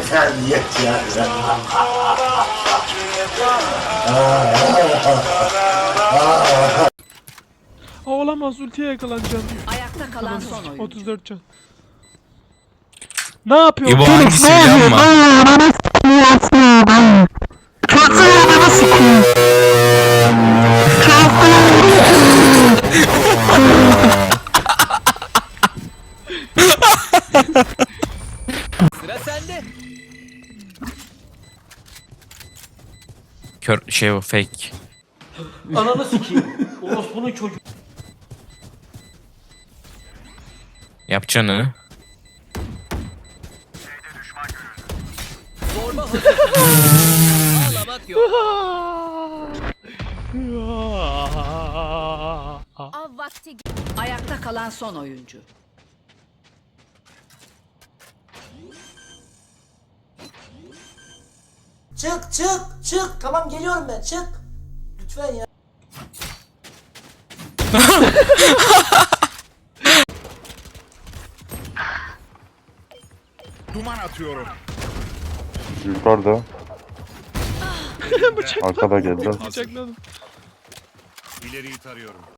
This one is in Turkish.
Terbiyet ya. Olamaz, ultiye yakalanacağım. Ayakta kalan son oyuncu. 34 can. Ne yapıyor? İbo hangisi biliyor musun? Sıra sende. Kör şey o fake. Ananı sikeyim. Orospu'nun çocuğu. Yapacağını. Zorba hazır. Ağlamak yok. Av vakti. Ayakta kalan son oyuncu. Çık çık çık. Tamam geliyorum ben, çık. Lütfen ya. Duman atıyorum. Yukarıda. Bıçak. Arkada geldi. Bıçakladım. İleriyi tarıyorum.